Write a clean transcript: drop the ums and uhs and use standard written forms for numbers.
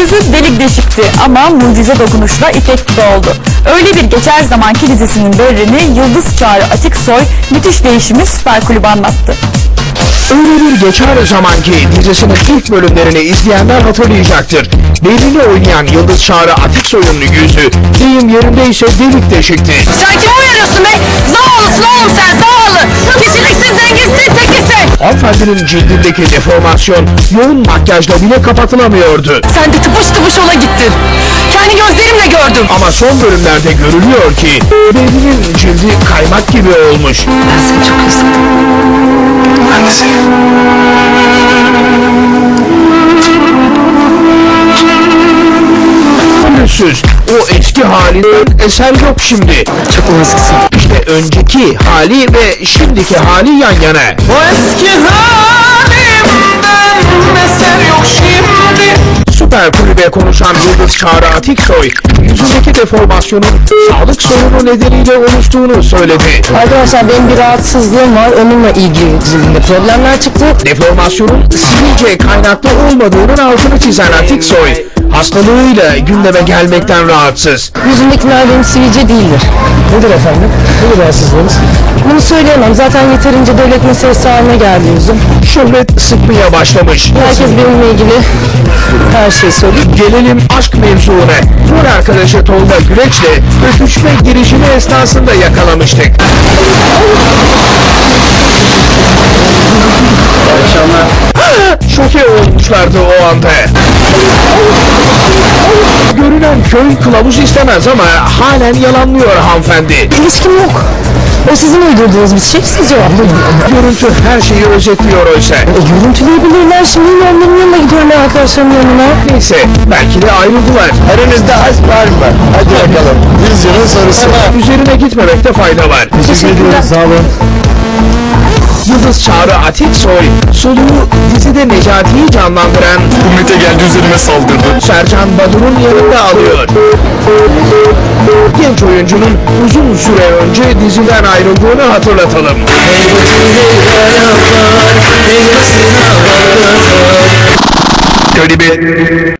Gözü delik deşikti ama mucize dokunuşla ipek gibi oldu. Öyle bir geçer zamanki dizisinin berrini Yıldız Çağrı Atiksoy müthiş değişimi Süper Kulüp'e anlattı. Öyle bir geçer zamanki dizisinin ilk bölümlerini izleyenler hatırlayacaktır. Belini oynayan Yıldız Çağrı Atiksoy'un yüzü deyim yerindeyse delik deşikti. Sen kimi uyarıyorsun be? Zavallısın oğlum sen, zavallı. Kişiliksiz, dengesiz, tekisin. Hanımefendinin cildindeki deformasyon yoğun makyajla bile kapatılamıyordu. Sen de tıpış tıpış ola gittin. Kendi gözlerimle gördüm. Ama son bölümlerde görülüyor ki belinin cildi kaymak gibi olmuş. Ben seni çok özledim. Ben de seni. Pürüzsüz, o eski halinden eser yok şimdi. Çok naziksin. İşte önceki hali ve şimdiki hali yan yana. O eski halimden eser yok şimdi. Süper Kulübe konuşan Yıldız Çağrı Atiksoy, yüzündeki deformasyonun sağlık sorunu nedeniyle oluştuğunu söyledi. Arkadaşlar benim bir rahatsızlığım var. Onunla ilgili cildimde problemler çıktı. Deformasyonun sivilce kaynaklı olmadığının altını çizen Atiksoy, hastalığıyla gündeme gelmekten rahatsız. Yüzümdekiler benim sivilce değildir. Nedir efendim? Nedir rahatsızlığınız? Bunu söyleyemem. Zaten yeterince devlet meselesi haline geldi yüzüm. Şöhret sıkmaya başlamış. Herkes benimle ilgili her şeyi söylüyor. Gelelim aşk mevzuuna. Rol arkadaşı Tolga Güreç'le öpüşme girişimi esnasında yakalamıştık. Şoke olmuşlardı o anda. Görünen köy kılavuz istemez ama halen yalanlıyor hanımefendi. İlişkim yok. O sizin uydurduğunuz bir şey. Siz cevaplayın. Görüntü her şeyi özetliyor oysa. Görüntüleyebilirler. Şimdi yine onların yanına gidiyorum ben, arkadaşlarımın yanına. Neyse, belki de ayrıldılar. Aranızda aşk var mı? Hadi bakalım. Yüzyılın sorusu. Üzerine gitmemekte fayda var. Teşekkürler. Sağ olun. Yıldız Çağrı Atiksoy, soluğu dizide Necati'yi canlandıran Ümite geldi üzerime saldırdı. Sercan Badur'un yanında alıyor. Genç oyuncunun uzun süre önce diziden ayrıldığını hatırlatalım. Klibi